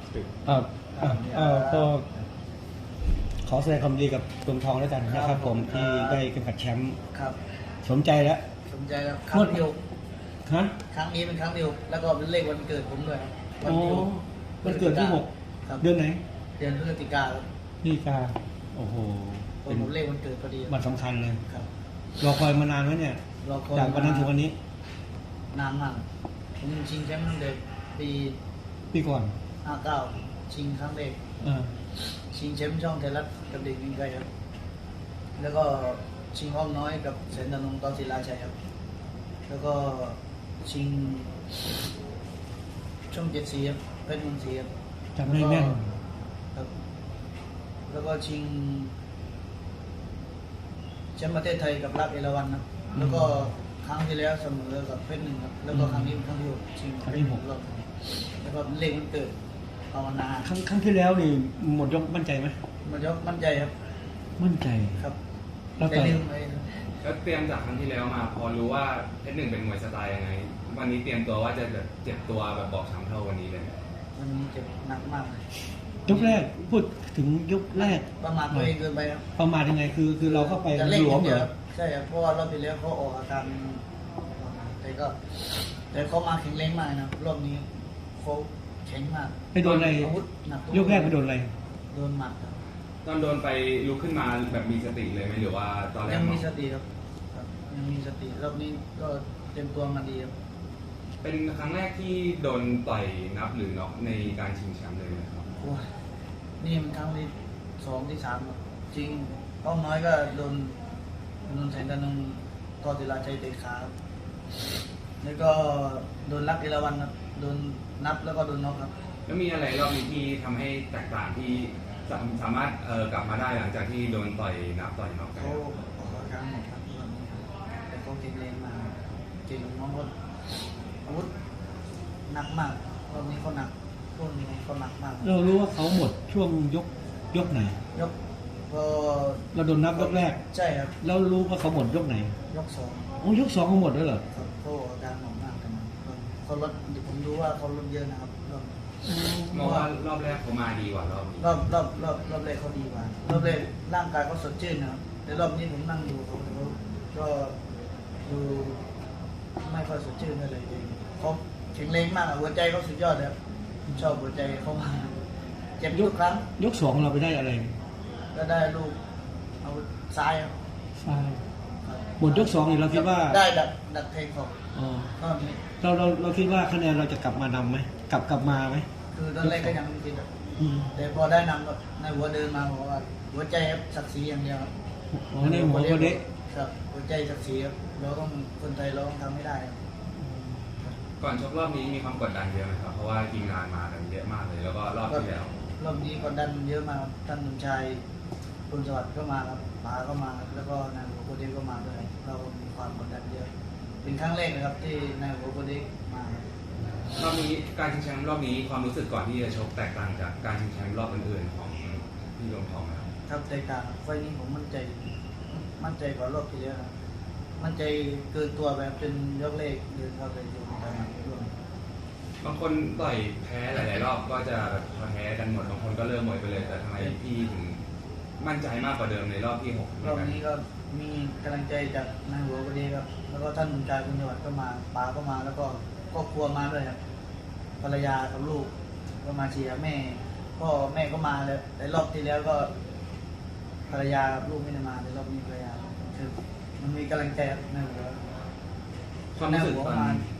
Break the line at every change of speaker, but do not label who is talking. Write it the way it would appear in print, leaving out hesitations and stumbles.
ตึก
ก็ขอแสดงความดีกับกรมทองด้วยกันนะครับผมที่ได้เข็มขัดแชมป์
ครับ
สมใจแล้ว
สนใจแล้วครั้งเดียว
ฮะ
ครั้งนี้เป็นครั้งเดียวแล้วก็เป็นเลขวันเกิดผมด้วยครับวั
อ๋อ
ที่
วันเกิดที่
ครับ
6 เดือนไหน
เดือนพฤศจิกาครับ
นี่กาโอ้โห
ผ
เป็น
มเลขวันเกิดพอดี
วันสำคัญเลย
ครับ
รอคอยมานานแล้วเนี่ย
รอคอย
จากวันนั้นถึงวันนี้
นานมากผมชิงแชมป์ตั้งแต่ปี
ปีก่อน
59ชิงครั้งแรก
เออ
ชิงแชมป์ช่องไทยรัฐกับเด็กยิงไกลครับแล้วก็ชิงอ้อมน้อยกับแสนธนงตอนศิลาชัยครับแล้วก็ชิงช่อง7 สีครับเพชรเมืองศรีครับ
จำได้แม่น
ครับแล้วก็ชิงแชมป์ประเทศไทยกับรักเอราวัณครับแล้วก็ครั้งที่แล้วเสมอกับเพชรหนึ่งครับแล้วก็ครั้งนี้เป็นครั้งที่ 6ชิงเพชรหกรอบแล้วก็เลขมันเกิดภาวนา
ครั้งที่แล้วนี่หมดยกมั่นใจไหม
มันยกมั่นใจครับ
มั่นใจ
ครับ
แล้ว
แต่
ต่อ
ลืมไปครับ
แล้วเตรียมจากครั้งที่แล้วมาพอรู้ว่าเพชรหนึ่งเป็นมวยสไตล์ยังไง วันนี้เตรียมตัวว่าจะแบบเจ็บตัวแบบบอบช้ำเท่าวันนี้เลย
วันนี้เจ็บหนักมากเลย
ยกแรกพูดถึงยกแรก
ประมาทตัวเองเกินไปครับ
ประมาทยังไงคือเราเข้าไป
จะเล่น
หลวม
เดี
เหร
ยว
อ
ใช่ครับเพราะว่ารอบที่แล้วเขาออกอาการแต่เขามาแข็งแรงมากนะรอบนี้เขาแข็งมาก
ไปโดนอะไร
อาวุธหนัก
ยกแรกไปโดนอะไร
โดนหมัดครับ
ตอนโดนไปลุกขึ้นมาแบบมีสติเลยไหมหรือว่าตอนแรก
ยังมี
เา
สติครับยังมีสติรอบนี้ก็เตรียมตัวมาดีครับ
เป็นครั้งแรกที่โดนต่อยนับหรือน็อกในการชิงแชมป์เลยไหมครับ
โอ้ยนี่มันครั้งที่2 ที่ 3ครับจริงป้องน้อยก็โดนแสนธนงตอศิลาชัยเตะขาครับแล้วก็โดนรักเอราวัณครับโดนนับแล้วก็โดนน็อกครับ
แล้วมีอะไรรอบนี้ที่ทำให้แตกต่างที่สามารถกลับมาได้หลังจากที่โดนต่อยนับต่อยน็อกไป
เขาออกอาการหมดครับรอบนี้ครับแต่เขาเก่งแรงมากเก่งน้องก็อาวุธหนักมากรอบนี้เขาหนักช่วงนี้เขาหนักมาก
เรารู้ว่าเขาหมดช่วงยกไหน
ยกพอ
เราโดนนับยกแรก
ใช่ครับ
แล้วรู้ว่าเขาหมดยกไหน
ยก2
โอ้ยก 2เขาหมดด้วยเหรอ
ครับเขาออกอาการหนักมากกันเขาลดผมรู้ว่าเขาลดเยอะนะครับรอบ
มองว่ารอบแรกเขามาดีกว่ารอบนี้
รอบแรกเขาดีกว่ารอบแรกร่างกายเขาสดชื่นนะครับแต่รอบนี้ผมนั่งดูเขาก็ดูไม่ค่อยสดชื่นอะไรเลยเขาแข็งแรงมากอะหัวใจเขาสุดยอดเลยครับผมชอบหัวใจเขามากเจ็บทุกครั้ง
ยก 2เราไปได้อะไร
ก็ได้ลูกเอาซ้ายครับ
ใช่หมดยก 2นี่เราคิดว่า
ได้ดักแทงเขา
อ๋อ
ก็มี
เราคิดว่าคะแนนเราจะกลับมานำไหมกลับมาไหม
คือตอนแรกก็ยังไม่คิดอะ
อืม
แต่พอได้นำก็ในหัวเดินมาบอกว่าหัวใจครับศักดิ์ศรีอย่างเดียวครับ
อ๋อในหัวคนนี้
ครับหัวใจศักดิ์ศรีครับเราต้องคนไทยเราต้องทำให้ได้ครับ
ก่อนชกรอบนี้มีความกดดันเยอะไหมครับเพราะว่าทีมงานมากันเยอะมากเลย แล้วก็รอบที่แล้ว
รอบนี้กดดันเยอะมากครับท่านสมชายคุณสวัสดิ์ก็มาครับป๋าก็มาครับแล้วก็นายหัวโคเดกก็มาด้วยเรามีความกดดันเยอะเป็นครั้งแรกนะครับที่นายหัวโคเดกมาครับ
รอบนี้การชิงแชมป์รอบนี้ความรู้สึกก่อนที่จะชกแตกต่างจากการชิงแชมป์รอบอื่นๆของพี่รวมทองนะครับ
ครับแตกต่างครับไฟล์นี้ผมมั่นใจกว่ารอบที่แล้วครับมั่นใจเกินตัวแบบเป็นยกเลขเดินเข้าไปดูการร่วม
บางคนต่อยแพ้หลายๆรอบก็จะแพ้กันหมดบางคนก็เริ่มหมดไปเลยแต่ทำไมพี่ถึงมั่นใจมากกว่าเดิมในรอบที่6
รอบนี้ก็มีกำลังใจจากนายหัวพอดีครับ แล้วก็ท่านผู้การคุณจังหวัดก็มาป๋าก็มา แล้วก็ครอบครัวมาด้วยครับภรรยากับลูกก็มาเชียร์แม่พ่อแม่ก็มาเลยแต่รอบที่แล้วก็ภรรยากับลูกไม่ได้มาแต่รอบนี้ภรรยาคือมันมีกำลังใจครับนายหัว
ความรู้สึกตอน